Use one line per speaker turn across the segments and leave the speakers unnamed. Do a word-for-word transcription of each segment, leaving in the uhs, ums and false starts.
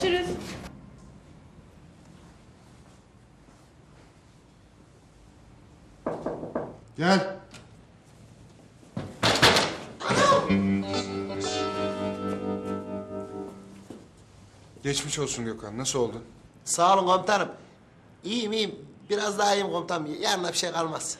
Görüşürüz.
Gel. Geçmiş olsun Gökhan. Nasıl oldun?
Sağ olun komutanım. İyiyim iyiyim. Biraz daha iyiyim komutanım. Yarına bir şey kalmaz.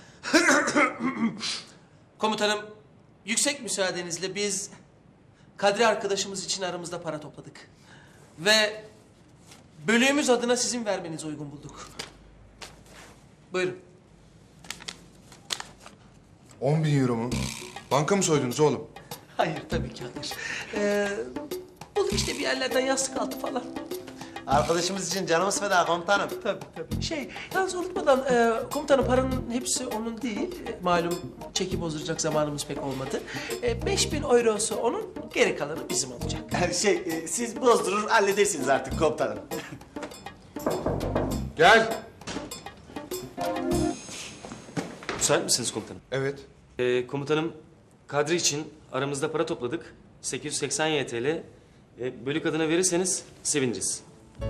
Komutanım, yüksek müsaadenizle biz Kadri arkadaşımız için aramızda para topladık. Ve bölüğümüz adına sizin vermenizi uygun bulduk. Buyurun.
On bin euro mu? Banka mı soydunuz oğlum?
Hayır, tabii ki hayır. Ee, bulduk işte bir yerlerden yastık altı falan.
Arkadaşımız için canımız feda komutanım.
Tabii tabii. Şey, yalnız unutmadan e, komutanım paranın hepsi onun değil. E, malum çeki bozduracak zamanımız pek olmadı. E, beş bin eurosu onun, geri kalanı bizim olacak.
Şey, e, siz bozdurur halledersiniz artık komutanım.
Gel.
Müsait misiniz komutanım?
Evet.
Ee, komutanım, Kadri için aramızda para topladık. sekiz yüz seksen Y T L. Ee, bölük adına verirseniz seviniriz.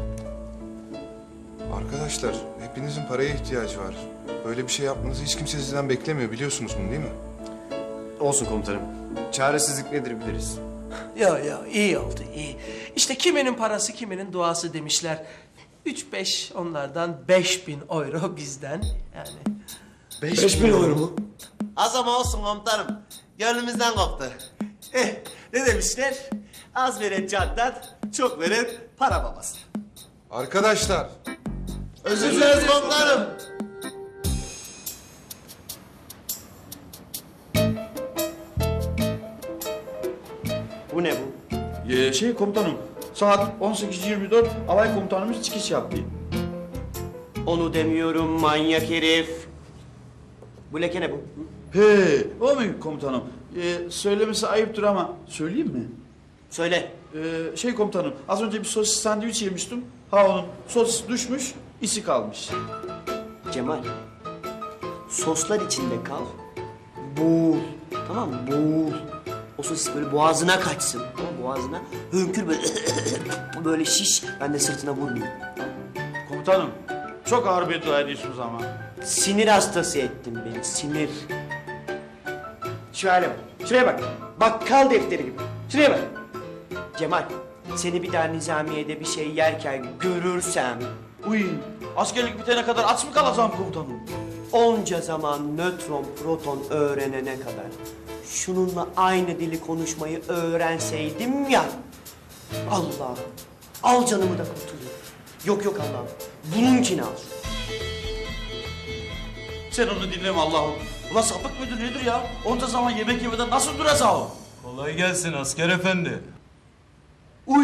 Arkadaşlar, hepinizin paraya ihtiyacı var. Böyle bir şey yapmanızı hiç kimse sizden beklemiyor. Biliyorsunuz bunu değil mi?
Olsun komutanım. Çaresizlik nedir biliriz.
Ya ya iyi oldu iyi. İşte kiminin parası kiminin duası demişler. Üç beş onlardan beş bin euro bizden yani.
Beş bin euro mu?
Az ama olsun komutanım. Gönlümüzden koptu. Eh, ne demişler? Az veren candan, çok veren para babası.
Arkadaşlar,
Özür dileriz komutanım. Bu ne bu?
Ee, şey komutanım, saat on sekiz yirmi dört alay komutanımız çıkış yaptı.
Onu demiyorum manyak herif. Bu leke ne bu?
He, o mu komutanım? Ee, söylemesi ayıptır ama söyleyeyim mi?
Söyle.
Ee, şey komutanım, az önce bir sosis sandviç yemiştim. Ha onun sosis düşmüş, isi kalmış.
Cemal, soslar içinde kal, boğul, tamam mı? Boğul. O sosis böyle boğazına kaçsın, tamam mı? Boğazına hönkür böyle, böyle şiş, ben de sırtına vurmayayım.
Komutanım, çok ağır beddua ediyorsunuz ama.
Sinir hastası ettin beni, sinir. Şöyle bak, şuraya bak, bakkal defteri gibi, şuraya bak. Cemal, seni bir daha nizamiyede bir şey yerken görürsem...
Uy, askerlik bitene kadar aç mı kalacağım komutanım?
Onca zaman nötron proton öğrenene kadar şununla aynı dili konuşmayı öğrenseydim ya. Allah'ım al canımı da kurtulayım. Yok yok Allah'ım bununkini al.
Sen onu dinleme Allah'ım. Ulan sapık müdür nedir ya? Onca zaman yemek yemeden nasıl duracağım?
Kolay gelsin asker efendi.
Uy!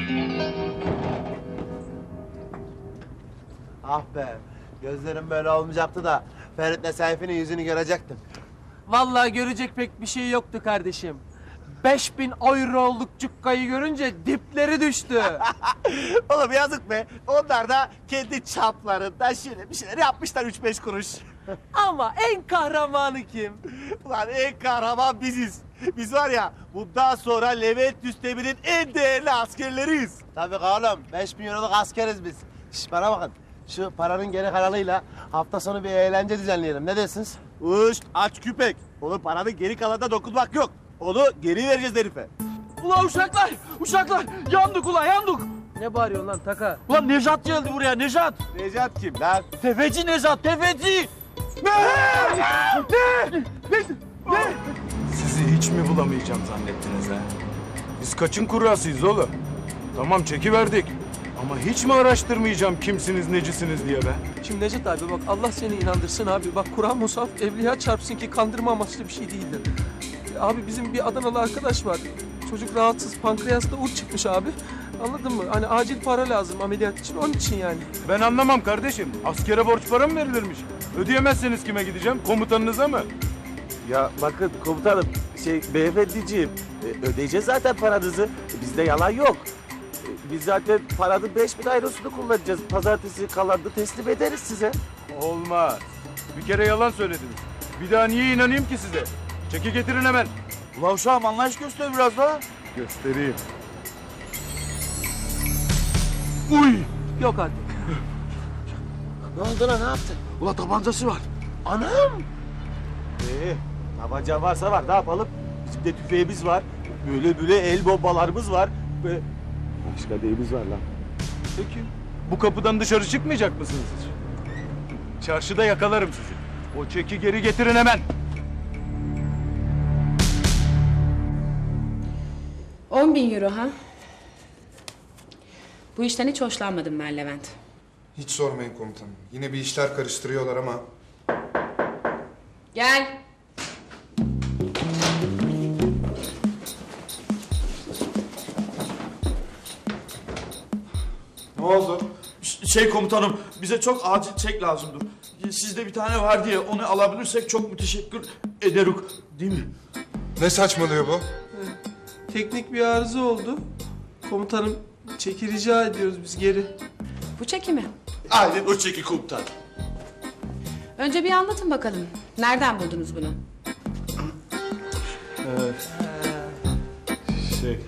Ah be, gözlerim böyle olmayacaktı da Ferit'le Seyfi'nin yüzünü görecektim.
Vallahi görecek pek bir şey yoktu kardeşim. Beş bin euroluk cukkayı görünce dipleri düştü.
Oğlum yazık be, onlar da kendi çaplarında şöyle bir şeyler yapmışlar üç beş kuruş.
Ama en kahramanı kim?
Ulan en kahraman biziz. Biz var ya, bundan sonra Levent Üstemir'in en değerli askerleriyiz. Tabii oğlum, beş bin euroluk askeriz biz. Şş, bana bakın, şu paranın geri kalanıyla hafta sonu bir eğlence düzenleyelim. Ne dersiniz? Uş, aç küpek. Olur paranın geri kalanına dokunmak yok. Onu geri vereceğiz herife.
Ulan uşaklar! Uşaklar! Yandık ulan yandık!
Ne bağırıyorsun lan Taka?
Ulan Nejat geldi buraya Nejat!
Necat kim lan?
Tefeci Nejat tefeci! Ne? Ne? Ne? Ne?
Sizi hiç mi bulamayacağım zannettiniz ha? Biz kaçın kurrasıyız oğlum? Tamam çekiverdik. Ama hiç mi araştırmayacağım kimsiniz necisiniz diye be?
Şimdi Necdet abi bak Allah seni inandırsın abi. Bak Kur'an musaf evliya çarpsın ki kandırma amaçlı bir şey değildir. E, Abi bizim bir Adanalı arkadaş var. Çocuk rahatsız pankreasta uç çıkmış abi. Anladın mı? Hani acil para lazım ameliyat için onun için yani.
Ben anlamam kardeşim. Askere borç para mı verilirmiş? Ödeyemezseniz kime gideceğim? Komutanınıza mı?
Ya bakın komutanım, şey beyefendiciğim, e, ödeyeceğiz zaten paranızı. E, bizde yalan yok. E, biz zaten paranın beş bin ayrosunu kullanacağız. Pazartesi kalanını teslim ederiz size.
Olmaz. Bir kere yalan söylediniz. Bir daha niye inanayım ki size? Çeki getirin hemen.
Ulan uşağım anlayış göster biraz daha.
Göstereyim. Uy!
Yok artık.
Ne oldu lan, ne yaptın?
Ula tabancası var.
Anam!
Ee, tabanca varsa var, ne yapalım? Bizim de tüfeğimiz var. Böyle böyle el bombalarımız var. Ve başka neyimiz var lan?
Peki bu kapıdan dışarı çıkmayacak mısınız hiç? Çarşıda yakalarım sizi. O çeki geri getirin hemen.
On bin euro ha? Bu işten hiç hoşlanmadım ben Levent.
Hiç sormayın komutanım. Yine bir işler karıştırıyorlar ama
Gel.
ne oldu?
Ş- Şey komutanım, bize çok acil çek lazımdır. Sizde bir tane var diye onu alabilirsek çok müteşekkir ederiz. Değil mi?
Ne saçmalıyor bu?
Teknik bir arıza oldu. Komutanım çeki rica ediyoruz biz geri.
Bu çeki mi?
Aynen o çeki komutan.
Önce bir anlatın bakalım. Nereden buldunuz bunu?
Şey...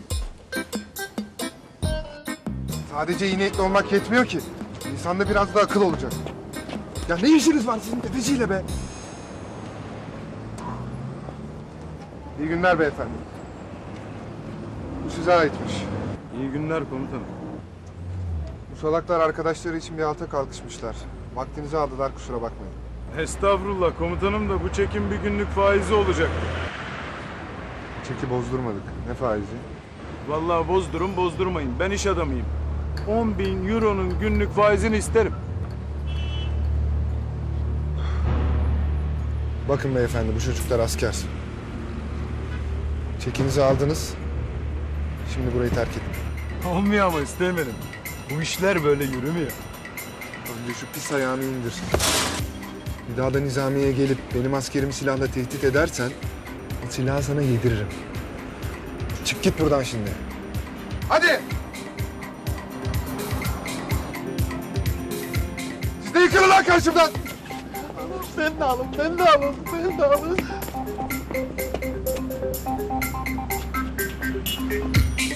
Sadece iyi niyetli olmak yetmiyor ki. İnsanda biraz da akıl olacak. Ya ne işiniz var sizin tefeciyle be? İyi günler beyefendi. Bu size aitmiş.
İyi günler komutanım.
Bu salaklar arkadaşları için bir alta kalkışmışlar. Vaktinizi aldılar, kusura bakmayın.
Estağfurullah komutanım da bu çekin bir günlük faizi olacaktı.
Çeki bozdurmadık. Ne faizi?
Vallahi bozdurun bozdurmayın. Ben iş adamıyım. on bin euronun günlük faizini isterim.
Bakın beyefendi, bu çocuklar asker. Çekinizi aldınız. Şimdi burayı terk edin.
Olmuyor ama istemedim. Bu işler böyle yürümüyor.
Önce şu pis ayağını indir. Bir daha da nizamiye gelip benim askerimi silahla tehdit edersen o silahı sana yediririm. Çık git buradan şimdi. Hadi! Siz de yıkılın lan karşımdan!
Ben de alın, ben de alın, ben de alın.